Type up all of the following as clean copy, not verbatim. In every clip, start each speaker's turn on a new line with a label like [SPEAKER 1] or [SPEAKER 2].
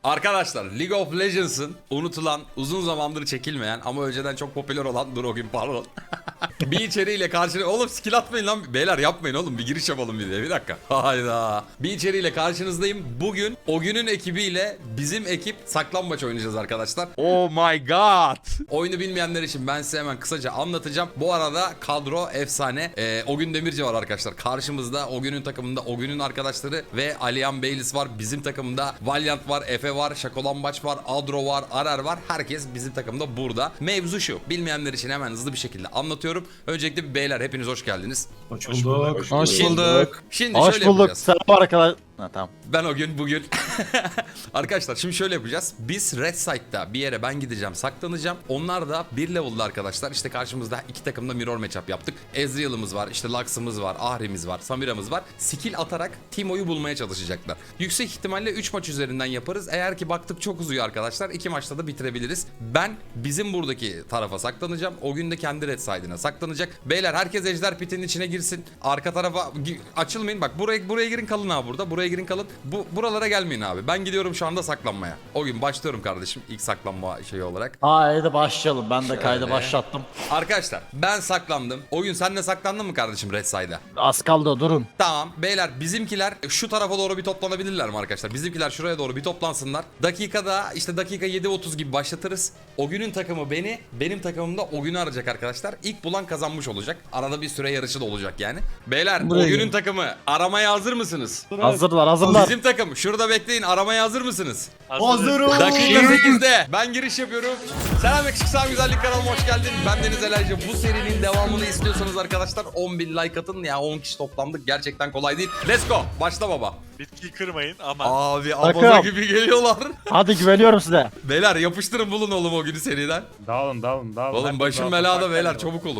[SPEAKER 1] Arkadaşlar League of Legends'ın unutulan, uzun zamandır çekilmeyen ama önceden çok popüler olan, dur o gün pardon. Bir içeriğiyle karşınızda, oğlum skill atmayın lan beyler, yapmayın oğlum, bir giriş yapalım bir dakika. Hayda. Bir içeriğiyle karşınızdayım. Bugün o günün ekibiyle bizim ekip saklambaç oynayacağız arkadaşlar. Oh my god. Oyunu bilmeyenler için ben size hemen kısaca anlatacağım. Bu arada kadro efsane. O gün Demirci var arkadaşlar karşımızda. O günün takımında o günün arkadaşları ve Aliyan Beylis var. Bizim takımda Valiant var, Efe var, Şakolambaç var, Adro var, Arar var. Herkes bizim takımda burada. Mevzu şu. Bilmeyenler için hemen hızlı bir şekilde anlatıyorum. Öncelikle bir beyler hepiniz hoş geldiniz.
[SPEAKER 2] Hoş bulduk.
[SPEAKER 3] Hoş bulduk.
[SPEAKER 1] Şimdi
[SPEAKER 4] Hoş
[SPEAKER 1] şöyle
[SPEAKER 4] bulduk.
[SPEAKER 1] yapacağız.
[SPEAKER 4] Selam arkadaşlar. Ha, tamam.
[SPEAKER 1] Ben o gün bugün. Arkadaşlar şimdi şöyle yapacağız. Biz Red Side'da bir yere ben gideceğim, saklanacağım. Onlar da bir level'da arkadaşlar. İşte karşımızda iki takımda mirror matchup yaptık. Ezreal'ımız var, işte Lux'ımız var, Ahri'miz var, Samira'mız var. Skill atarak Timo'yu bulmaya çalışacaklar. Yüksek ihtimalle 3 maç üzerinden yaparız. Eğer ki baktık çok uzuyor arkadaşlar, 2 maçta da bitirebiliriz. Ben bizim buradaki tarafa saklanacağım. O gün de kendi Red Side'ına saklanacak. Beyler herkes Ejder Pit'in içine girsin. Arka tarafa açılmayın. Bak buraya girin, kalın abi burada. Buraya girin, kalın. Buralara gelmeyin abi. Ben gidiyorum şu anda saklanmaya. O gün başlıyorum kardeşim ilk saklanma şeyi olarak.
[SPEAKER 4] Haydi başlayalım. Ben de kaydı başlattım.
[SPEAKER 1] Arkadaşlar ben saklandım. O gün sen de saklandın mı kardeşim Red Side'a?
[SPEAKER 4] Az kaldı, durun.
[SPEAKER 1] Tamam beyler, bizimkiler şu tarafa doğru bir toplanabilirler mi arkadaşlar? Bizimkiler şuraya doğru bir toplansınlar. Dakikada işte dakika 7.30 gibi başlatırız. O günün takımı beni, benim takımım da o günü arayacak arkadaşlar. İlk bulan kazanmış olacak. Arada bir süre yarışı da olacak yani. Beyler
[SPEAKER 3] Buraya
[SPEAKER 1] o günün
[SPEAKER 3] gelin.
[SPEAKER 1] takımı aramaya hazır mısınız?
[SPEAKER 4] Hazırlar.
[SPEAKER 1] Bizim takım şurada bekleyin, aramaya hazır mısınız?
[SPEAKER 2] Hazırım.
[SPEAKER 1] Dakika 8'de ben giriş yapıyorum. Selam yakışık sağ güzellik kanalıma hoş geldin. Ben Deniz Elerci. Bu serinin devamını istiyorsanız arkadaşlar 10.000 like atın. Ya 10 kişi toplandık. Gerçekten kolay değil. Let's go. Başla baba.
[SPEAKER 5] Bitkiyi kırmayın ama.
[SPEAKER 1] Abi
[SPEAKER 4] Takım.
[SPEAKER 1] abaza gibi geliyorlar.
[SPEAKER 4] Hadi güveniyorum size.
[SPEAKER 1] Beyler yapıştırın, bulun oğlum o günü seriden.
[SPEAKER 6] Dağılın.
[SPEAKER 1] Oğlum başım belada beyler, çabuk olun.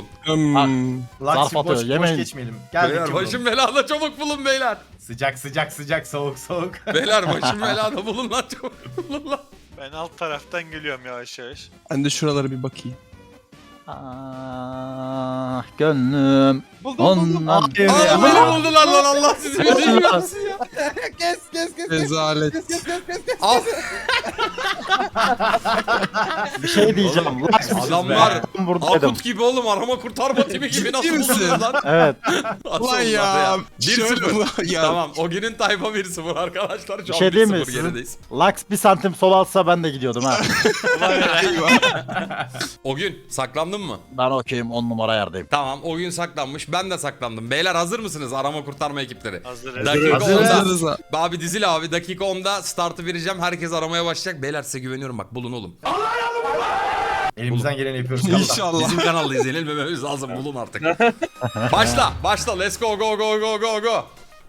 [SPEAKER 4] Zarf atıyor,
[SPEAKER 2] Boş
[SPEAKER 4] yemeyin.
[SPEAKER 2] geçmeyelim. Geldik
[SPEAKER 1] Beyler
[SPEAKER 2] yavrum.
[SPEAKER 1] başım belada, çabuk bulun beyler.
[SPEAKER 2] Sıcak soğuk.
[SPEAKER 1] Beyler başım belada, bulun lan, çabuk bulun lan.
[SPEAKER 5] Ben alt taraftan geliyorum yavaş yavaş.
[SPEAKER 3] Ben de şuralara bir bakayım.
[SPEAKER 4] Ah gönlüm.
[SPEAKER 2] Buldum.
[SPEAKER 4] Ondan
[SPEAKER 1] Aa beni buldular lan, Allah sizi bildiğin yapsın ya.
[SPEAKER 2] Kes.
[SPEAKER 3] Rezalet.
[SPEAKER 1] Al.
[SPEAKER 4] bir şey diyeceğim.
[SPEAKER 1] Adamlar
[SPEAKER 4] buradaydım.
[SPEAKER 1] Akut gibi oğlum, arama kurtarma timi gibi, nasıl
[SPEAKER 3] misin?
[SPEAKER 1] buldunuz lan?
[SPEAKER 4] Evet.
[SPEAKER 3] Ulan ya.
[SPEAKER 1] 1-0.
[SPEAKER 3] Ya.
[SPEAKER 1] Tamam o günün tayfa 1-0 arkadaşlar. Şu
[SPEAKER 4] Bir
[SPEAKER 1] an
[SPEAKER 4] şey diyeyim mi?
[SPEAKER 1] 1-0 gerideyiz.
[SPEAKER 4] Lux bir santim sol alsa ben de gidiyordum ha.
[SPEAKER 1] O gün saklandın mı?
[SPEAKER 4] Ben okeyim, 10 numara yerdeyim.
[SPEAKER 1] Tamam o gün saklanmış, ben de saklandım. Beyler hazır mısınız arama kurtarma ekipleri?
[SPEAKER 5] Hazırız.
[SPEAKER 1] Dakika
[SPEAKER 4] Hazırız.
[SPEAKER 1] 10'da.
[SPEAKER 3] Hazırız.
[SPEAKER 1] Abi dizil abi, dakika 10'da startı vereceğim. Herkes aramaya başlayacak. Beyler size güveniyorum, bak bulun oğlum.
[SPEAKER 2] Elimizden geleni yapıyoruz.
[SPEAKER 3] İnşallah.
[SPEAKER 1] Bizim kanalda izlenilmememiz lazım, bulun artık. Başla let's go.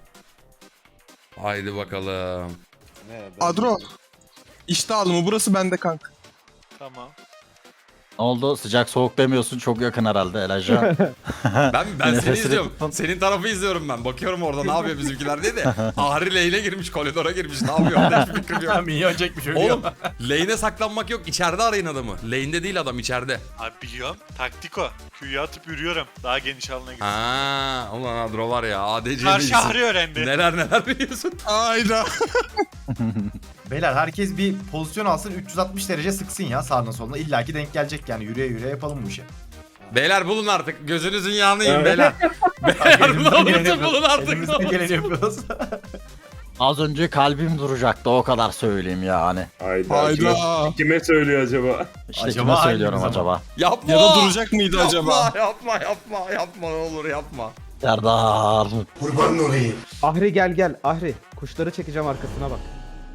[SPEAKER 1] Haydi bakalım.
[SPEAKER 3] Adro. İşte alımı burası bende kanka.
[SPEAKER 5] Tamam.
[SPEAKER 4] Ne oldu? Sıcak soğuk demiyorsun. Çok yakın herhalde Elijah.
[SPEAKER 1] Ben seni
[SPEAKER 4] Nefesini
[SPEAKER 1] izliyorum.
[SPEAKER 4] tutun.
[SPEAKER 1] Senin tarafı izliyorum ben. Bakıyorum orada ne yapıyor bizimkiler diye de. Ahri lane'e girmiş, koridora girmiş. Ne yapıyor? Hiçbir fikrim yok.
[SPEAKER 2] Minyon çekmiş ölüyor.
[SPEAKER 1] Oğlum lane'e saklanmak yok. İçeride arayın adamı. Lane'de değil adam, içeride.
[SPEAKER 5] Abi biliyorum. Taktik o. Q'yu atıp yürüyorum. Daha geniş alana gitsin.
[SPEAKER 1] Ha, ulan Adro var ya. ADC
[SPEAKER 5] Karşı
[SPEAKER 1] bilgisi.
[SPEAKER 5] Ahri öğrendi.
[SPEAKER 1] Neler biliyorsun.
[SPEAKER 3] Aynen.
[SPEAKER 2] Beyler herkes bir pozisyon alsın, 360 derece sıksın ya sağına soluna. İlla ki denk gelecek yani, yürüye yapalım bu işi.
[SPEAKER 1] Beyler bulun artık. Gözünüzün yağını yiyin beyler. Beyler ne olursa bulun artık.
[SPEAKER 2] Elimizden geleni yapıyoruz.
[SPEAKER 4] Az önce kalbim duracaktı, o kadar söyleyeyim yani.
[SPEAKER 3] Hayda.
[SPEAKER 6] Kime söylüyor acaba?
[SPEAKER 4] İşte
[SPEAKER 2] Acaba
[SPEAKER 4] kime söylüyorum
[SPEAKER 2] hangimiz
[SPEAKER 4] acaba?
[SPEAKER 1] Yapma.
[SPEAKER 3] Ya da duracak mıydı acaba?
[SPEAKER 1] Yapma ne olur yapma.
[SPEAKER 4] Serdar.
[SPEAKER 7] Ahri gel Ahri. Kuşları çekeceğim, arkasına bak.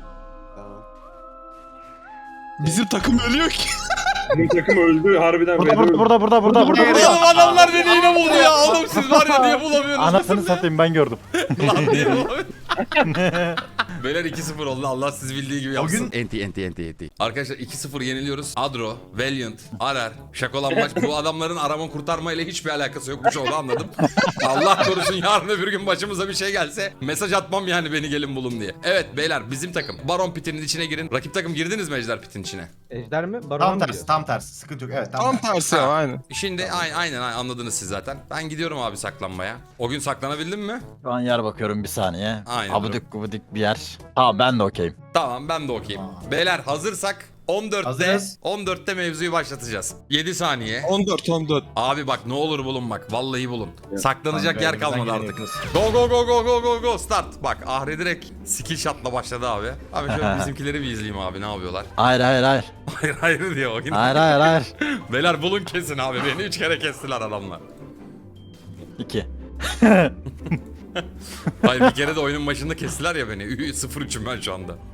[SPEAKER 3] Bizim takım ölüyor ki.
[SPEAKER 6] Bizim takım öldü harbiden.
[SPEAKER 4] Burada.
[SPEAKER 1] Oğlum adamlar beni yine buldu ya. Oğlum siz var ya, niye bulamıyorsunuz?
[SPEAKER 4] Anasını satayım, ben gördüm.
[SPEAKER 1] Lan niye bulamıyorsunuz? Beyler 2-0 oldu, Allah siz bildiği gibi yapsın.
[SPEAKER 2] gün-
[SPEAKER 1] Enti. Arkadaşlar 2-0 yeniliyoruz. Adro, Valiant, Arar, Şakolanmaç, bu adamların arama kurtarma ile hiçbir alakası yokmuş, onu anladım. Allah korusun yarın öbür gün başımıza bir şey gelse mesaj atmam yani, beni gelin bulun diye. Evet beyler bizim takım. Baron pitinin içine girin. Rakip takım girdiniz mi Ejder pitin içine?
[SPEAKER 7] Ejder mi? Baron
[SPEAKER 2] Tam
[SPEAKER 7] mu
[SPEAKER 2] tersi,
[SPEAKER 7] diyor?
[SPEAKER 2] tam tersi. Sıkıntı yok. Evet,
[SPEAKER 3] Tam tersi ya aynen.
[SPEAKER 1] Şimdi aynen anladınız siz zaten. Ben gidiyorum abi saklanmaya. O gün saklanabildin mi?
[SPEAKER 4] Şu an yer bakıyorum bir saniye.
[SPEAKER 1] Aynen,
[SPEAKER 4] Abudik gubudik bir yer. olabilir. Tamam ben de okeyim.
[SPEAKER 1] Tamam ben de okeyim. Beyler hazırsak 14'te
[SPEAKER 2] Hazırız.
[SPEAKER 1] 14'te mevzuyu başlatacağız. 7 saniye.
[SPEAKER 3] 14.
[SPEAKER 1] Abi bak ne olur bulun bak. Vallahi bulun. Saklanacak
[SPEAKER 2] Kanka,
[SPEAKER 1] yer
[SPEAKER 2] elimizden
[SPEAKER 1] kalmadı
[SPEAKER 2] geleni
[SPEAKER 1] artık.
[SPEAKER 2] yapıyoruz.
[SPEAKER 1] Go go go go go go go start. Bak Ahri direkt skill shot'la başladı abi. Abi şöyle bizimkileri bir izleyeyim abi ne yapıyorlar.
[SPEAKER 4] Hayır hayır hayır.
[SPEAKER 1] Hayır hayır diyor o yine.
[SPEAKER 4] Hayır hayır hayır.
[SPEAKER 1] Beyler bulun kesin abi. Beni 3 kere kestiler adamlar.
[SPEAKER 4] 2.
[SPEAKER 1] Hayır bir kere de oyunun başında kestiler ya beni. 0-3'üm ben şu anda.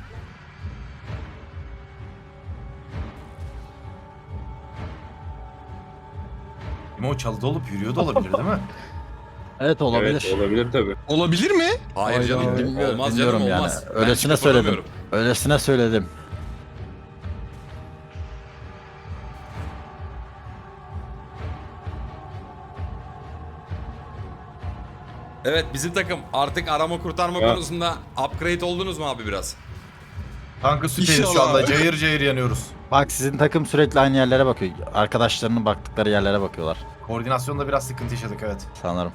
[SPEAKER 2] Ama o çalıda olup yürüyor da olabilir değil mi?
[SPEAKER 4] Evet olabilir.
[SPEAKER 6] Evet olabilir tabii.
[SPEAKER 3] Olabilir mi?
[SPEAKER 1] Hayır canım.
[SPEAKER 4] Bilmiyorum,
[SPEAKER 1] Olmaz
[SPEAKER 4] bilmiyorum
[SPEAKER 1] canım
[SPEAKER 4] yani.
[SPEAKER 1] olmaz. Ben
[SPEAKER 4] Öylesine
[SPEAKER 1] çıkıp
[SPEAKER 4] söyledim.
[SPEAKER 1] alamıyorum.
[SPEAKER 4] Öylesine söyledim.
[SPEAKER 1] Evet bizim takım artık arama kurtarma
[SPEAKER 6] Ya.
[SPEAKER 1] konusunda upgrade oldunuz mu abi biraz?
[SPEAKER 2] Kanka süperiz şu
[SPEAKER 3] İnşallah
[SPEAKER 2] anda.
[SPEAKER 3] abi.
[SPEAKER 2] Cayır cayır yanıyoruz.
[SPEAKER 4] Bak sizin takım sürekli aynı yerlere bakıyor. Arkadaşlarının baktıkları yerlere bakıyorlar
[SPEAKER 2] Koordinasyonda biraz sıkıntı yaşadık evet.
[SPEAKER 4] sanırım.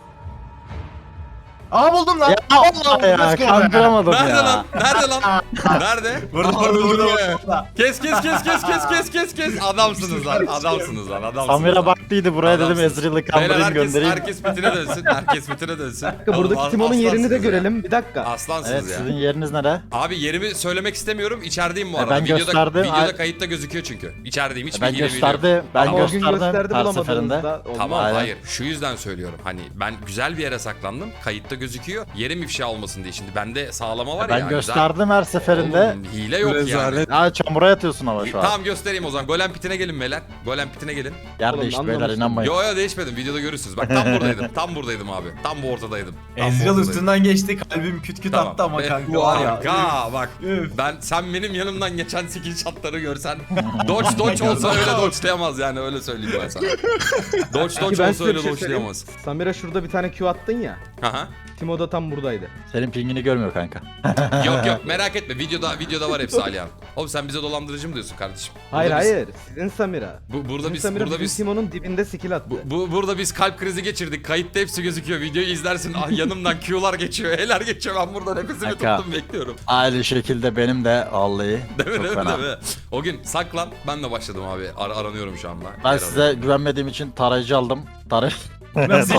[SPEAKER 2] Aa buldum lan.
[SPEAKER 4] Allah ya
[SPEAKER 2] let's go be.
[SPEAKER 4] kandıramadım
[SPEAKER 1] Nerede
[SPEAKER 4] ya.
[SPEAKER 1] lan? Nerede lan? Nerede?
[SPEAKER 2] Burada
[SPEAKER 3] Aa,
[SPEAKER 2] burada
[SPEAKER 3] öldürdü
[SPEAKER 2] burada.
[SPEAKER 3] be.
[SPEAKER 2] burada.
[SPEAKER 1] Kes kes kes kes kes kes kes kes. Adamsınız lan. Adamsınız lan. Adamsınız.
[SPEAKER 4] Samira
[SPEAKER 1] lan.
[SPEAKER 4] baktıydı buraya dedim
[SPEAKER 1] Adamsınız.
[SPEAKER 4] Ezreal'ı
[SPEAKER 1] Beyler
[SPEAKER 4] kandırayım
[SPEAKER 1] herkes,
[SPEAKER 4] göndereyim.
[SPEAKER 1] herkes bitine dönsün. Herkes bitine dönsün.
[SPEAKER 7] Dakika, buradaki
[SPEAKER 1] Oğlum,
[SPEAKER 7] Timon'un yerini de
[SPEAKER 1] aslansınız ya.
[SPEAKER 7] görelim. Bir dakika.
[SPEAKER 1] Aslansınız
[SPEAKER 4] Evet
[SPEAKER 1] ya.
[SPEAKER 4] sizin yeriniz nere?
[SPEAKER 1] Abi yerimi söylemek istemiyorum. İçerideyim bu
[SPEAKER 4] E,
[SPEAKER 1] arada.
[SPEAKER 4] ben gösterdim.
[SPEAKER 1] Videoda
[SPEAKER 4] Ay-
[SPEAKER 1] kayıtta gözüküyor çünkü. İçerideyim. Hiçbir
[SPEAKER 4] Ben
[SPEAKER 1] hile bile yok.
[SPEAKER 4] gösterdi. Ben
[SPEAKER 7] Ama o gün
[SPEAKER 4] gösterdim
[SPEAKER 7] gösterdi
[SPEAKER 4] her
[SPEAKER 7] bulamadığınızda.
[SPEAKER 4] seferinde.
[SPEAKER 7] olmaz.
[SPEAKER 1] Tamam
[SPEAKER 4] Aynen.
[SPEAKER 1] hayır şu yüzden söylüyorum hani ben güzel bir yere saklandım kayıtta gözüküyor yerim ifşa olmasın diye şimdi bende sağlama var ya.
[SPEAKER 4] Ben gösterdim her seferinde.
[SPEAKER 1] Oğlum, hile yok yani.
[SPEAKER 3] Rezalet.
[SPEAKER 4] Ya çamura yatıyorsun ama şu an.
[SPEAKER 1] Tamam göstereyim o zaman golem pitine gelin beyler golem pitine gelin.
[SPEAKER 4] Yer
[SPEAKER 7] Oğlum,
[SPEAKER 4] değişti beyler
[SPEAKER 7] anlamıştım.
[SPEAKER 4] inanmayın.
[SPEAKER 1] Yo yo değişmedim videoda görürsünüz bak tam buradaydım tam buradaydım abi tam bu ortadaydım. Tam bu
[SPEAKER 2] Ezreal
[SPEAKER 1] ortadaydım.
[SPEAKER 2] üstünden geçti. Kalbim küt küt
[SPEAKER 1] Tamam.
[SPEAKER 2] attı ama
[SPEAKER 1] Be-
[SPEAKER 2] kanka var ya.
[SPEAKER 1] Kanka bak
[SPEAKER 2] Üf.
[SPEAKER 1] sen benim yanımdan geçen skill shotları görsen dodge olsa öyle dodge'layamaz yani öyle söyleyeyim ben sana. Dodge
[SPEAKER 7] Peki ben
[SPEAKER 1] olsa
[SPEAKER 7] size
[SPEAKER 1] öyle
[SPEAKER 7] bir şey söyleyeyim.
[SPEAKER 1] dodge'layamaz.
[SPEAKER 7] Samira şurada bir tane Q attın ya.
[SPEAKER 1] Aha.
[SPEAKER 7] Timo da tam buradaydı.
[SPEAKER 4] Senin pingini görmüyor kanka.
[SPEAKER 1] Yok yok merak etme videoda var hepsi Alihan. Oğlum sen bize dolandırıcı mı diyorsun kardeşim?
[SPEAKER 7] Hayır
[SPEAKER 1] Burada biz-
[SPEAKER 7] hayır. Sizin Samira.
[SPEAKER 1] Burada
[SPEAKER 7] Sizin
[SPEAKER 1] biz
[SPEAKER 7] Samira
[SPEAKER 1] burada
[SPEAKER 7] bizim
[SPEAKER 1] biz
[SPEAKER 7] Timo'nun dibinde skill attı.
[SPEAKER 1] burada biz kalp krizi geçirdik. Kayıtta hepsi gözüküyor. Videoyu izlersin. Ah yanımdan Q'lar geçiyor, E'ler geçiyor. Ben burada nefesimi
[SPEAKER 4] Kanka.
[SPEAKER 1] tuttum bekliyorum.
[SPEAKER 4] Aynı şekilde benim de vallahi
[SPEAKER 1] Değil mi?
[SPEAKER 4] çok
[SPEAKER 1] Değil mi?
[SPEAKER 4] fena.
[SPEAKER 1] Değil mi? O gün saklan. Ben de başladım abi. Aranıyorum şu anda.
[SPEAKER 4] Ben
[SPEAKER 1] Yer
[SPEAKER 4] size güvenmediğim için tarayıcı aldım.
[SPEAKER 2] Nasıl?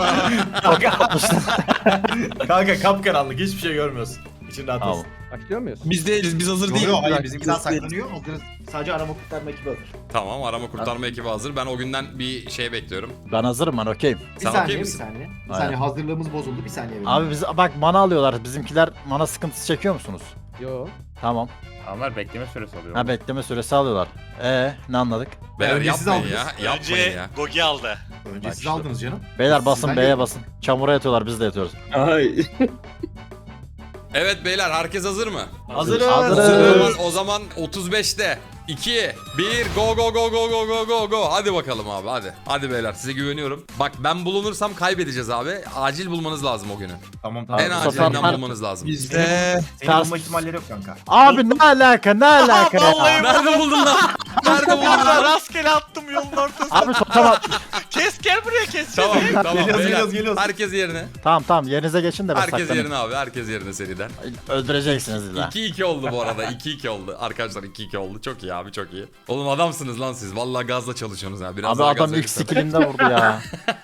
[SPEAKER 2] Kanka kapkaranlık hiçbir şey görmüyorsun. İçin rahat
[SPEAKER 4] Tamam.
[SPEAKER 2] olsun.
[SPEAKER 7] Başlıyor muyuz?
[SPEAKER 3] Biz değiliz. Biz hazır değiliz.
[SPEAKER 2] Yok hayır
[SPEAKER 3] Bak,
[SPEAKER 2] bizimkiler
[SPEAKER 3] biz değiliz.
[SPEAKER 2] saklanıyor. Hazırız. Sadece arama kurtarma ekibi hazır.
[SPEAKER 1] Tamam arama kurtarma ekibi hazır. Ben o günden bir şey bekliyorum.
[SPEAKER 4] Ben hazırım ben okeyim.
[SPEAKER 1] Sen okey misin?
[SPEAKER 2] saniye.
[SPEAKER 4] Bir saniye,
[SPEAKER 2] hazırlığımız bozuldu. Bir saniye.
[SPEAKER 4] Abi biz bak mana alıyorlar. Bizimkiler mana sıkıntısı çekiyor musunuz?
[SPEAKER 7] Yo.
[SPEAKER 4] Tamam.
[SPEAKER 6] Onlar bekleme süresi alıyor.
[SPEAKER 4] Ha bekleme süresi alıyorlar. Ne anladık?
[SPEAKER 1] Beyler
[SPEAKER 2] önce siz
[SPEAKER 1] yapmayın ya.
[SPEAKER 2] aldınız.
[SPEAKER 1] Yapmayın
[SPEAKER 5] Önce
[SPEAKER 1] ya.
[SPEAKER 5] Gogi aldı.
[SPEAKER 2] Önce
[SPEAKER 4] Bak
[SPEAKER 2] siz
[SPEAKER 4] işte.
[SPEAKER 2] aldınız canım.
[SPEAKER 4] Beyler basın
[SPEAKER 2] Sizden
[SPEAKER 4] B'ye
[SPEAKER 2] geldi.
[SPEAKER 4] basın. Çamura yatıyorlar biz de yatıyoruz.
[SPEAKER 6] Ay.
[SPEAKER 1] Evet beyler herkes hazır mı?
[SPEAKER 2] Hazırız.
[SPEAKER 4] Hazırız.
[SPEAKER 1] O zaman 35'te 2 1 go go go go go go go go. Hadi bakalım abi hadi. Hadi beyler size güveniyorum. Bak ben bulunursam kaybedeceğiz abi. Acil bulmanız lazım o günü.
[SPEAKER 2] Tamam tamam.
[SPEAKER 1] En
[SPEAKER 4] bu sefer
[SPEAKER 1] acilinden
[SPEAKER 4] fark-
[SPEAKER 1] bulmanız lazım.
[SPEAKER 3] Bizde.
[SPEAKER 2] Senin bulma ihtimalleri yok kanka.
[SPEAKER 4] Abi ne alaka ne alaka ya?
[SPEAKER 1] Nerede buldun lan? Nerede buldun
[SPEAKER 5] Burada
[SPEAKER 1] lan?
[SPEAKER 5] rastgele attım yolun ortasına.
[SPEAKER 4] Abi tamam.
[SPEAKER 5] Kes gel buraya kes.
[SPEAKER 1] Tamam tamam
[SPEAKER 2] Geliyoruz,
[SPEAKER 1] beyler.
[SPEAKER 2] geliyoruz.
[SPEAKER 1] Herkes yerine.
[SPEAKER 4] Tamam yerinize geçin de ben
[SPEAKER 1] Herkes
[SPEAKER 4] saklanayım.
[SPEAKER 1] yerine abi. Herkes yerine seriden.
[SPEAKER 4] Öldüreceksiniz illa.
[SPEAKER 1] 2-2 oldu bu arada. 2-2 oldu. Arkadaşlar 2-2 oldu. Çok iyi abi çok iyi. Oğlum adamsınız lan siz. Vallahi gazla çalışıyorsunuz ha. Biraz
[SPEAKER 4] Abi
[SPEAKER 1] daha
[SPEAKER 4] adam
[SPEAKER 1] gaz
[SPEAKER 4] ilk
[SPEAKER 1] verirsen.
[SPEAKER 4] skillimde vurdu ya.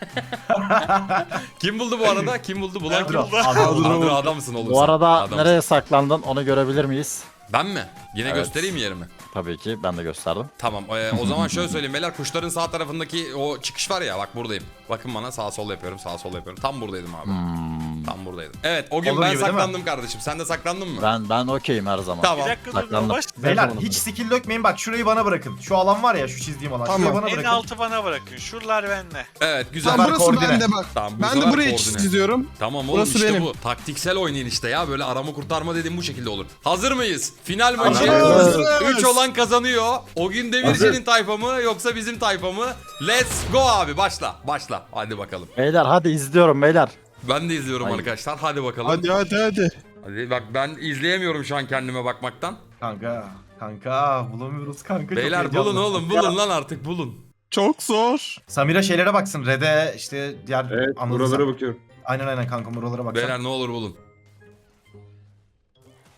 [SPEAKER 1] Kim buldu bu arada? Kim buldu? Bulan kim?
[SPEAKER 2] Adro.
[SPEAKER 1] Adro adamsın oğlum
[SPEAKER 4] Bu
[SPEAKER 1] sen.
[SPEAKER 4] arada
[SPEAKER 1] Adamsın.
[SPEAKER 4] nereye saklandın onu görebilir miyiz?
[SPEAKER 1] Ben mi? Yine
[SPEAKER 4] Evet.
[SPEAKER 1] göstereyim mi yerimi?
[SPEAKER 4] Tabii ki ben de gösterdim.
[SPEAKER 1] Tamam. O zaman şöyle söyleyeyim beyler. Kuşların sağ tarafındaki o çıkış var ya. Bak buradayım. Bakın bana sağ sol yapıyorum. Sağ sol yapıyorum. Tam buradaydım abi. Tam buradaydım. Evet o gün
[SPEAKER 2] Olur
[SPEAKER 1] ben
[SPEAKER 2] gibi değil mi?
[SPEAKER 1] saklandım kardeşim. Sen de saklandın mı?
[SPEAKER 4] Ben okeyim her zaman.
[SPEAKER 1] Tamam.
[SPEAKER 5] Bir dakika dur
[SPEAKER 4] Saklandım.
[SPEAKER 5] baş.
[SPEAKER 2] Beyler
[SPEAKER 7] zaman
[SPEAKER 2] hiç skill dökmeyin bak şurayı bana bırakın. Şu alan var ya şu çizdiğim alan.
[SPEAKER 3] Tamam.
[SPEAKER 2] Şurayı bana
[SPEAKER 5] En
[SPEAKER 2] bırakın.
[SPEAKER 5] altı bana bırakın. Şuralar bende.
[SPEAKER 1] Evet güzel.
[SPEAKER 3] Tamam
[SPEAKER 2] sefer
[SPEAKER 3] burası
[SPEAKER 2] koordine.
[SPEAKER 3] bende bak.
[SPEAKER 1] Tamam, bu
[SPEAKER 3] Ben
[SPEAKER 1] sefer
[SPEAKER 3] de buraya
[SPEAKER 1] koordine.
[SPEAKER 3] çiziyorum.
[SPEAKER 1] Tamam oğlum
[SPEAKER 3] Burası
[SPEAKER 1] işte
[SPEAKER 3] benim.
[SPEAKER 1] bu. Taktiksel oynayın işte ya. Böyle arama kurtarma dediğim bu şekilde olur. Hazır mıyız? Final maçı
[SPEAKER 2] Hazırız.
[SPEAKER 1] 3 olan kazanıyor. O gün Demirci'nin tayfa mı yoksa bizim tayfa mı? Let's go abi başla. Başla. Hadi bakalım.
[SPEAKER 4] Beyler hadi izliyorum beyler.
[SPEAKER 1] Ben de izliyorum
[SPEAKER 4] Hayır.
[SPEAKER 1] arkadaşlar. Hadi bakalım.
[SPEAKER 3] Hadi.
[SPEAKER 1] Hadi bak ben izleyemiyorum şu an kendime bakmaktan.
[SPEAKER 2] Kanka bulamıyoruz kanka. çok
[SPEAKER 1] Beyler
[SPEAKER 2] heyecanlı.
[SPEAKER 1] bulun oğlum bulun lan artık bulun.
[SPEAKER 3] Çok zor.
[SPEAKER 2] Samira şeylere baksın. Red'e işte diğer
[SPEAKER 6] Evet
[SPEAKER 2] anınıza.
[SPEAKER 6] buralara bakıyorum.
[SPEAKER 2] Aynen kanka buralara baksın.
[SPEAKER 1] Beyler ne olur bulun.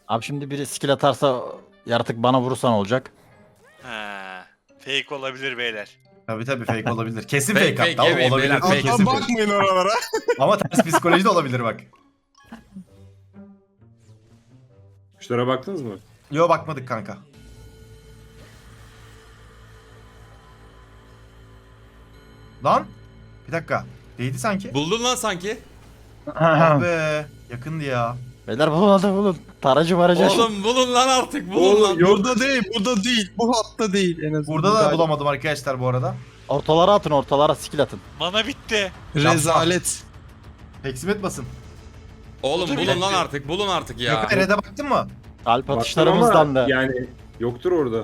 [SPEAKER 4] Abi şimdi biri skill atarsa yaratık bana vurursa ne olacak?
[SPEAKER 5] Ha, fake olabilir beyler.
[SPEAKER 2] Tabii fake olabilir. Kesin
[SPEAKER 1] Fake,
[SPEAKER 2] fake,
[SPEAKER 1] fake
[SPEAKER 2] hatta
[SPEAKER 1] yemeyin
[SPEAKER 2] olabilir.
[SPEAKER 1] beyler, fake.
[SPEAKER 2] Kesin fake.
[SPEAKER 3] Bakmayın oralara.
[SPEAKER 2] Ama ters psikoloji de olabilir bak.
[SPEAKER 6] Kuşlara baktınız mı?
[SPEAKER 2] Yo bakmadık kanka. Lan bir dakika. Değdi sanki.
[SPEAKER 1] Buldun lan sanki.
[SPEAKER 2] Ah be. Yakındı ya.
[SPEAKER 4] Beyler bulun hadi bulun. Taracı maracı.
[SPEAKER 1] Oğlum bulun lan artık bulun
[SPEAKER 6] Oğlum,
[SPEAKER 1] lan.
[SPEAKER 6] yok.
[SPEAKER 3] Burada değil, burada değil. Bu hatta değil en azından.
[SPEAKER 2] Burada da bulamadım arkadaşlar bu arada.
[SPEAKER 4] Ortalara atın ortalara skill atın.
[SPEAKER 5] Mana bitti.
[SPEAKER 3] Rezalet.
[SPEAKER 2] Peksimet basın.
[SPEAKER 1] Oğlum
[SPEAKER 5] Dur,
[SPEAKER 1] bulun
[SPEAKER 5] bir
[SPEAKER 1] lan
[SPEAKER 5] dakika.
[SPEAKER 1] artık bulun artık ya.
[SPEAKER 2] Gökhan Red'e baktın mı?
[SPEAKER 4] Kalp
[SPEAKER 6] Baktım
[SPEAKER 4] atışlarımızdan
[SPEAKER 6] ama
[SPEAKER 4] da.
[SPEAKER 6] yani yoktur orada.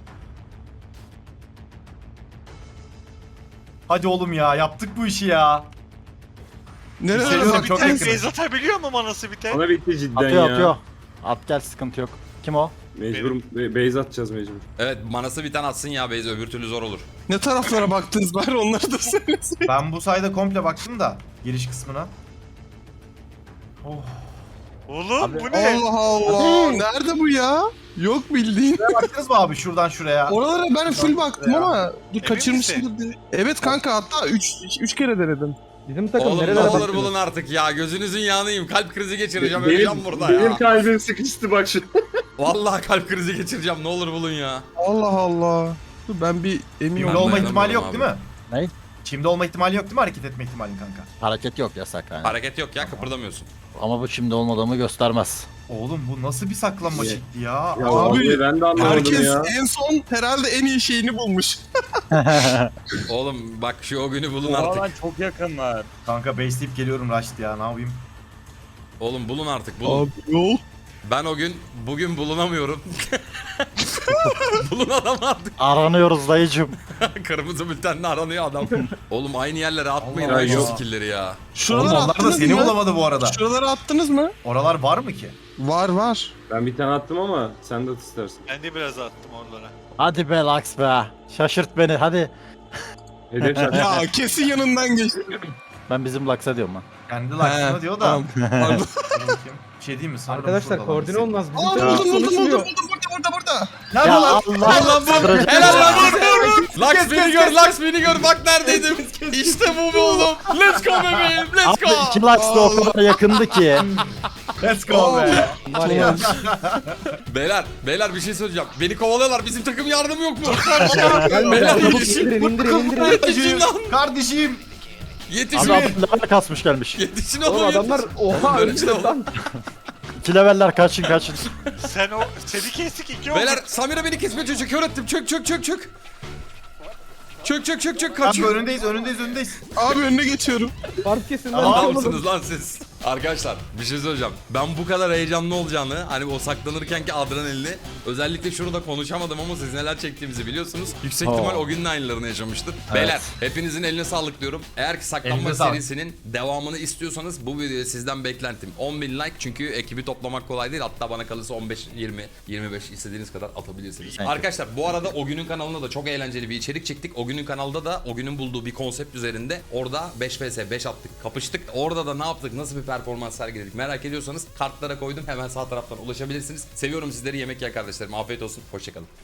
[SPEAKER 2] Hadi oğlum ya yaptık bu işi ya.
[SPEAKER 3] Nereye
[SPEAKER 2] Seviyorum,
[SPEAKER 5] Manası
[SPEAKER 2] çok
[SPEAKER 5] biten
[SPEAKER 2] yakınız.
[SPEAKER 5] base atabiliyor mu manası biten?
[SPEAKER 6] Bana bitti cidden
[SPEAKER 4] Atıyor
[SPEAKER 6] ya.
[SPEAKER 4] atıyor. At gel sıkıntı yok. Kim o?
[SPEAKER 6] Mecbur base atacağız mecbur.
[SPEAKER 1] Evet manası bir tane atsın ya Beyza öbür türlü zor olur.
[SPEAKER 3] Ne taraflara baktınız bari onları da söylesin.
[SPEAKER 2] Ben bu sayede komple baktım da giriş kısmına. Oh.
[SPEAKER 5] Oğlum bu ne?
[SPEAKER 3] Allah Allah. Nerede bu ya? Yok bildiğin.
[SPEAKER 2] Baktınız mı abi şuradan şuraya?
[SPEAKER 3] Oralara ben full baktım ama dur
[SPEAKER 5] Emin
[SPEAKER 3] kaçırmışım. Evet kanka hatta 3 kere denedim.
[SPEAKER 7] Bizim takım
[SPEAKER 1] Oğlum ne
[SPEAKER 7] nerelere
[SPEAKER 1] olur
[SPEAKER 7] baktınız?
[SPEAKER 1] bulun artık ya gözünüzün yanıyım kalp krizi geçireceğim
[SPEAKER 6] Benim,
[SPEAKER 1] öleceğim burada
[SPEAKER 6] benim
[SPEAKER 1] ya.
[SPEAKER 6] kalbim sıkıştı bak şu.
[SPEAKER 1] Vallahi kalp krizi geçireceğim ne olur bulun ya.
[SPEAKER 3] Allah Allah. Dur ben bir emin
[SPEAKER 2] Çimde
[SPEAKER 1] Ben
[SPEAKER 3] olayım.
[SPEAKER 2] olma ihtimali yok
[SPEAKER 1] dayanamıyorum
[SPEAKER 2] değil mi?
[SPEAKER 4] Ne?
[SPEAKER 2] Çimde olma ihtimali yok değil mi hareket etme ihtimalin kanka?
[SPEAKER 4] Hareket yok yasak yani.
[SPEAKER 1] Hareket yok ya kıpırdamıyorsun.
[SPEAKER 4] Ama bu şimdi olmadığımı göstermez.
[SPEAKER 2] Oğlum bu nasıl bir saklanma
[SPEAKER 6] Ya-
[SPEAKER 2] şekli ya?
[SPEAKER 6] Ya
[SPEAKER 3] Abi,
[SPEAKER 6] vallahi ben de anlamadım
[SPEAKER 3] Herkes
[SPEAKER 6] ya.
[SPEAKER 3] en son herhalde en iyi şeyini bulmuş.
[SPEAKER 1] Oğlum bak şu o günü bulun
[SPEAKER 6] Aa,
[SPEAKER 1] artık.
[SPEAKER 6] lan çok yakınlar.
[SPEAKER 2] Kanka base'leyip geliyorum Raşit ya ne yapayım?
[SPEAKER 1] Oğlum bulun artık bulun.
[SPEAKER 3] Abi yol.
[SPEAKER 1] Ben bugün bulunamıyorum. Bulun adam artık.
[SPEAKER 4] Aranıyoruz dayıcım.
[SPEAKER 1] Kırmızı bültenle aranıyor adam. Oğlum aynı yerlere atmayın
[SPEAKER 2] Allah
[SPEAKER 1] lan şu
[SPEAKER 2] Allah.
[SPEAKER 1] skill'leri ya.
[SPEAKER 2] Oğlum
[SPEAKER 3] Şuralara
[SPEAKER 2] onlar da
[SPEAKER 3] attınız
[SPEAKER 2] seni
[SPEAKER 3] mı?
[SPEAKER 2] bulamadı bu arada.
[SPEAKER 3] Şuralara attınız mı?
[SPEAKER 2] Oralar var mı ki?
[SPEAKER 3] Var.
[SPEAKER 6] Ben bir tane attım ama sen de at istersen.
[SPEAKER 5] Ben de biraz attım oralara.
[SPEAKER 4] Hadi be Lux be. Şaşırt beni hadi.
[SPEAKER 6] Hedef şart.
[SPEAKER 3] Ya kesin yanından geçti.
[SPEAKER 4] Ben bizim Lux'a diyorum lan.
[SPEAKER 2] Kendi laksına
[SPEAKER 3] He,
[SPEAKER 2] diyor da.
[SPEAKER 3] tamam. Pardon.
[SPEAKER 2] Dur bakayım. Bir şey diyeyim mi? Sanırım
[SPEAKER 7] Arkadaşlar
[SPEAKER 2] şuradalar.
[SPEAKER 7] koordine olmaz. Bizim
[SPEAKER 3] Aa
[SPEAKER 7] takım
[SPEAKER 3] buldum
[SPEAKER 7] konuşmuyor.
[SPEAKER 3] burada.
[SPEAKER 2] Nerede
[SPEAKER 4] Ya
[SPEAKER 2] lan?
[SPEAKER 4] Allah. Kıracak
[SPEAKER 1] Helal
[SPEAKER 4] ya.
[SPEAKER 1] lan Lux beni gör Lux beni gör bak neredeydim. İşte bu be oğlum. Let's go bebeğim let's
[SPEAKER 4] Abi
[SPEAKER 1] go.
[SPEAKER 4] iki Lux da o kadar yakındı ki.
[SPEAKER 2] Let's go be.
[SPEAKER 7] Var ya.
[SPEAKER 1] Beyler bir şey söyleyeceğim. Beni kovalıyorlar bizim takım yardım yok mu?
[SPEAKER 7] Gel
[SPEAKER 1] Beyler,
[SPEAKER 7] çabuk
[SPEAKER 1] yetişin.
[SPEAKER 7] indirin.
[SPEAKER 1] Yetişin lan.
[SPEAKER 2] Kardeşim.
[SPEAKER 1] Yetişin.
[SPEAKER 4] Abi adam level kasmış gelmiş.
[SPEAKER 1] Yetişin
[SPEAKER 7] Oğlum
[SPEAKER 1] oğlum
[SPEAKER 7] adamlar
[SPEAKER 1] yetişin.
[SPEAKER 7] oha
[SPEAKER 1] Böyle şey
[SPEAKER 7] öldü lan.
[SPEAKER 4] 2 leveller kaçın.
[SPEAKER 5] Seni kestik 2 oldu.
[SPEAKER 1] Beyler Samira beni kesme çocuk kör ettim. Çök. Çök
[SPEAKER 2] Abi
[SPEAKER 1] kaçıyor.
[SPEAKER 2] önündeyiz.
[SPEAKER 3] Abi önüne geçiyorum.
[SPEAKER 7] Fark kesin lan.
[SPEAKER 1] Adamsınız lan siz. Arkadaşlar bir şey söyleyeceğim. Ben bu kadar heyecanlı olacağını hani o saklanırkenki adrenalini özellikle şurada konuşamadım ama siz neler çektiğimizi biliyorsunuz. Yüksek ihtimal o günün aynılarını yaşamıştır. Beyler hepinizin eline sağlık diyorum. Eğer ki saklanma
[SPEAKER 2] Elinize sağlık.
[SPEAKER 1] serisinin devamını istiyorsanız bu videoya sizden beklentim 10.000 like çünkü ekibi toplamak kolay değil. Hatta bana kalırsa 15, 20, 25 istediğiniz kadar atabilirsiniz.
[SPEAKER 4] Thank you.
[SPEAKER 1] Arkadaşlar bu arada o günün kanalında da çok eğlenceli bir içerik çektik. O günün kanalda da o günün bulduğu bir konsept üzerinde orada 5 vs 5 attık, kapıştık. Orada da ne yaptık, nasıl bir performans sergiledik merak ediyorsanız kartlara koydum. Hemen sağ taraftan ulaşabilirsiniz. Seviyorum sizleri yemek yer kardeşlerim. Afiyet olsun. Hoşçakalın.